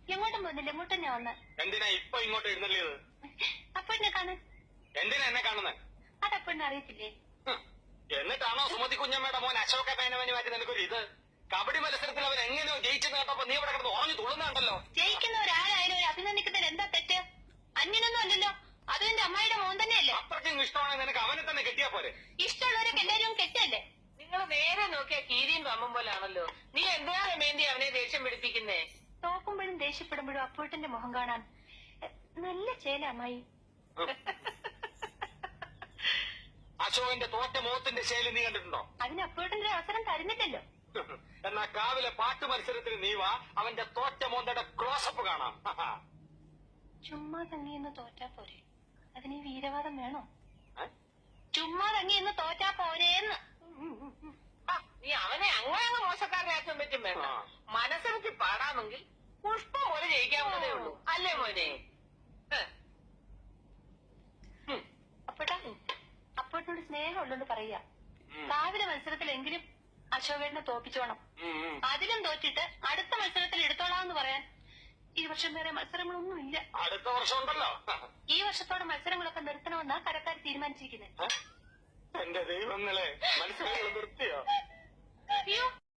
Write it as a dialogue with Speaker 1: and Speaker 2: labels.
Speaker 1: എങ്ങോട്ടും പോകുന്നില്ല, ഇങ്ങോട്ട് തന്നെ വന്ന്.
Speaker 2: എന്തിനാ ഇപ്പൊ ഇങ്ങോട്ട് എഴുന്നള്ളിയത്?
Speaker 1: അപ്പഴിനെ കാണാൻ.
Speaker 2: എന്തിനാ എന്നെ കാണുന്നത്?
Speaker 1: അതപ്പഴിനെ അറിയത്തില്ലേ?
Speaker 2: എന്നിട്ടാണോ സുമതി കുഞ്ഞമ്മയുടെ മോൻ അശോക പേനവന് മാറ്റി നിനക്കൊരു ഇത്? കബഡി മത്സരത്തിൽ അവൻ എങ്ങനെയോ ജയിച്ചെന്ന് കേട്ടപ്പോ നീ ഇവിടെ കിടന്ന് ഉറഞ്ഞു തുള്ളുന്നുണ്ടല്ലോ.
Speaker 1: ജയിക്കുന്നവരാരായാലും ഒരു അഭിനന്ദിക്കുന്നതിൽ എന്താ തെറ്റ്? അന്യനൊന്നും അല്ലല്ലോ, അതും എന്റെ അമ്മായിയുടെ മോൻ തന്നെയല്ലേ.
Speaker 2: അത്രയ്ക്കും ഇഷ്ടമാണെങ്കിൽ നിനക്ക് അവനെ തന്നെ കെട്ടിയാ പോരെ?
Speaker 1: ഇഷ്ടമുള്ളവരൊക്കെ എല്ലാവരും കെട്ടല്ലേ.
Speaker 3: നിങ്ങൾ നേരെ നോക്കിയാ കീരിയും പമ്പും പോലാണല്ലോ. നീ എന്തിനാണ് വേണ്ടി അവനെ ദേഷ്യം പിടിപ്പിക്കുന്നേ?
Speaker 1: തോക്കുമ്പോഴും ദേഷ്യപ്പെടുമ്പോഴും അപ്പൂട്ടന്റെ മുഖം കാണാൻ നല്ല ചേല അമ്മായി.
Speaker 2: അശോകന്റെ തോറ്റ മുഖത്തിന്റെ ശൈലി നീ കണ്ടിട്ടുണ്ടോ?
Speaker 1: അതിന് അപ്പൂട്ടന്റെ അവസരം തരുന്നില്ലല്ലോ.
Speaker 2: എന്നാ കാവിലെ പാട്ട് മത്സരത്തിൽ നീ വാ, അവന്റെ തോറ്റ മോന്തയുടെ ക്ലോസപ്പ് കാണാം.
Speaker 1: ചുമ്മാ തങ്ങിയെന്ന് തോറ്റാ പോരെ, അതിന് ഈ വീരവാദം വേണോ? ചുമ്മാ തങ്ങിയെന്ന് തോറ്റാ പോരേന്ന്.
Speaker 3: നീ അവനെ അങ്ങനെ മോശക്കാരനാക്കാൻ പറ്റും വേണ്ട. മനസ്സിറക്കി പാടാമെങ്കിൽ പുഷ്പം പോലെ ജയിക്കാവുന്നതേ ഉള്ളൂ, അല്ലേ മോനെ?
Speaker 1: അപ്പോട്ടിനോട് സ്നേഹം ഉള്ളോണ്ട് പറയാ, കാവിലെ മത്സരത്തിലെങ്കിലും അശോകേട്ടനെ തോപ്പിച്ചോണം. അതിലും തോറ്റിട്ട് അടുത്ത മത്സരത്തിൽ എടുത്തോളാന്ന് പറയാൻ ഈ വർഷം വേറെ മത്സരങ്ങളൊന്നും ഇല്ല.
Speaker 2: അടുത്ത വർഷം ഉണ്ടല്ലോ.
Speaker 1: ഈ വർഷത്തോടെ മത്സരങ്ങളൊക്കെ നിർത്തണമെന്നാ കരക്കാർ തീരുമാനിച്ചിരിക്കുന്നത്.
Speaker 2: എന്റെ ദൈവങ്ങളെ, മത്സരങ്ങൾ നിർത്തിയോ?
Speaker 1: അയ്യോ,